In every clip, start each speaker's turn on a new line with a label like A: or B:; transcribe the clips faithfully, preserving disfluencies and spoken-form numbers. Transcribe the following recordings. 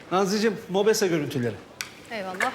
A: Nazlıcığım, Mobese görüntüleri.
B: Eyvallah.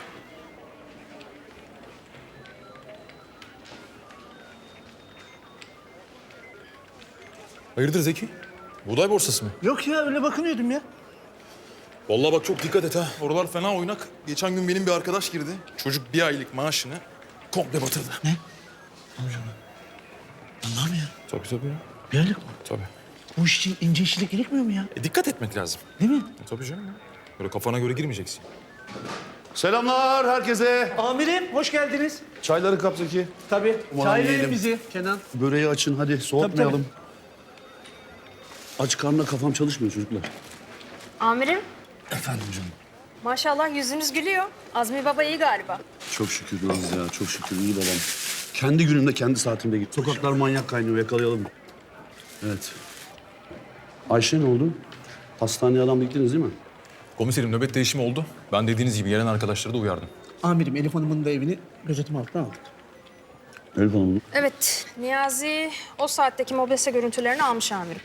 C: Hayırdır Zeki? Buğday borsası mı?
A: Yok ya, öyle bakınıyordum ya.
C: Vallahi bak çok dikkat et ha. Oralar fena oynak. Geçen gün benim bir arkadaş girdi. Çocuk bir aylık maaşını komple batırdı.
A: Ne? Allah'ım ya.
C: Tabii tabii ya.
A: Bir aylık mı?
C: Tabii.
A: Bu iş için ince işçilik gerekmiyor mu ya?
C: E, dikkat etmek lazım.
A: Değil mi?
C: E, tabii canım ya. Böyle kafana göre girmeyeceksin.
D: Selamlar herkese.
A: Amirim, hoş geldiniz.
D: Çayları kap Zeki.
A: Tabii.
D: Aman
A: Çay verin
D: yiyelim.
A: bizi Kenan.
D: Böreği açın hadi soğutmayalım.
A: Tabii,
D: Aç karnına kafam çalışmıyor çocuklar.
B: Amirim,
D: Efendim canım.
B: maşallah yüzünüz gülüyor. Azmi Baba iyi galiba.
D: Çok şükür Naz ya, çok şükür iyi babam. Kendi günümde, kendi saatimde git. Sokaklar manyak kaynıyor, yakalayalım. Evet. Ayşe ne oldu? Hastaneye adam gittiniz değil mi?
C: Komiserim nöbet değişimi oldu. Ben dediğiniz gibi gelen arkadaşları da uyardım.
A: Amirim, Elif Hanım'ın da evini gözetim altına aldık.
D: Elif Hanım.
B: Evet, Niyazi o saatteki Mobese görüntülerini almış amirim.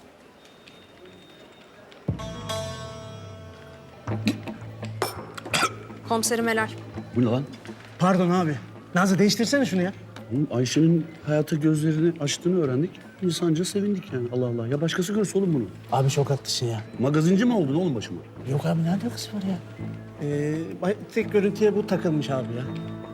B: Komiserim helal.
D: Bu ne lan?
A: Pardon abi. Nazlı, değiştirsene şunu ya.
D: Oğlum, Ayşe'nin hayata gözlerini açtığını öğrendik. İnsanca sevindik yani. Allah Allah. Ya başkası görse oğlum bunu.
A: Abi çok haklısın ya.
D: Magazinci mi oldun oğlum başıma?
A: Yok abi, ne alakası var ya? Ee, tek görüntüye bu takılmış abi ya.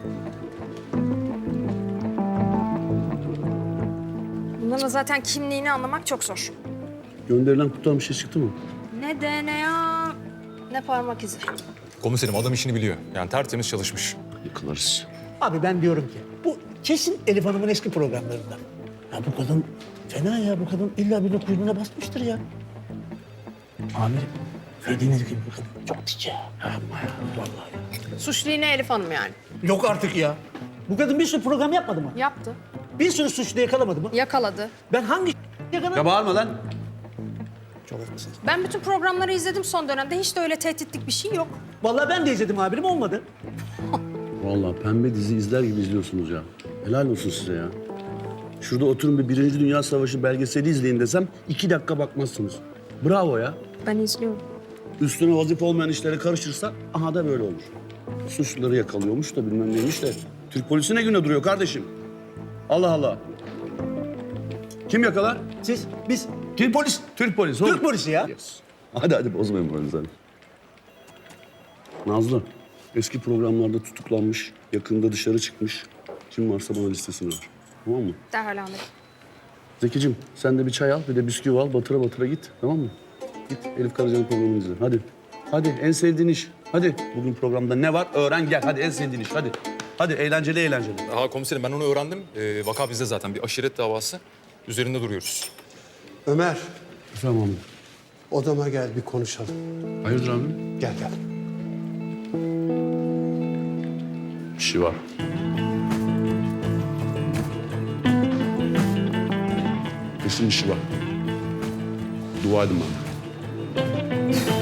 B: Bunların zaten kimliğini anlamak çok zor.
D: Gönderilen kutudan bir şey çıktı mı?
B: Ne D N A, ne parmak izi.
C: Komiserim adam işini biliyor. Yani tertemiz çalışmış.
D: Yıkılarız.
A: Abi ben diyorum ki bu kesin Elif Hanım'ın eski programlarından. Ya bu kadın fena ya, bu kadın illa bir kuyruğuna basmıştır ya. Amirim, dediğiniz gibi bu kadın çok dik ya. Yapma ya, vallahi ya.
B: Suçlu yine Elif Hanım yani.
A: Yok artık ya. Bu kadın bir sürü program yapmadı mı?
B: Yaptı,
A: Bir sürü suçlu yakalamadı mı?
B: yakaladı.
A: Ben hangi yakaladım?
D: Ya bağırma lan.
A: Çok haklısın.
B: Ben bütün programları izledim son dönemde. Hiç de öyle tehditlik bir şey yok.
A: Vallahi ben de izledim amirim, olmadı.
D: Vallahi pembe dizi izler gibi izliyorsunuz ya. Helal olsun size ya. Şurada oturun bir Birinci Dünya Savaşı belgeseli izleyin desem iki dakika bakmazsınız. Bravo ya.
B: Ben izliyorum.
D: Üstüne vazife olmayan işlere karışırsa aha da böyle olur. Suçluları yakalıyormuş da bilmem neymiş de. Türk polisi ne güne duruyor kardeşim? Allah Allah. Kim yakalar?
A: Siz, biz
D: Kim polis? Türk polisi.
A: Türk polisi ya.
D: Yes. Hadi hadi bozmayın moralinizi hadi. Nazlı, eski programlarda tutuklanmış, yakında dışarı çıkmış. Kim varsa bana listesini ver. Tamam mı?
B: Derhal amirim.
D: Zekicim sen de bir çay al, bir de bisküvi al. Batıra batıra git, tamam mı? Git Elif Karaca'nın programını izle. Hadi. Hadi en sevdiğin iş. Hadi. Bugün programda ne var? Öğren gel. Hadi en sevdiğin iş. Hadi. Hadi eğlenceli eğlenceli.
C: Aha komiserim ben onu öğrendim. Ee, vaka bizde zaten bir aşiret davası. Üzerinde duruyoruz.
E: Ömer,
D: Efendim abi.
E: odama gel bir konuşalım.
D: Hayırdır abi?
E: Gel gel.
D: Bir şey var. Kesin bir şey var. Dua edin bana.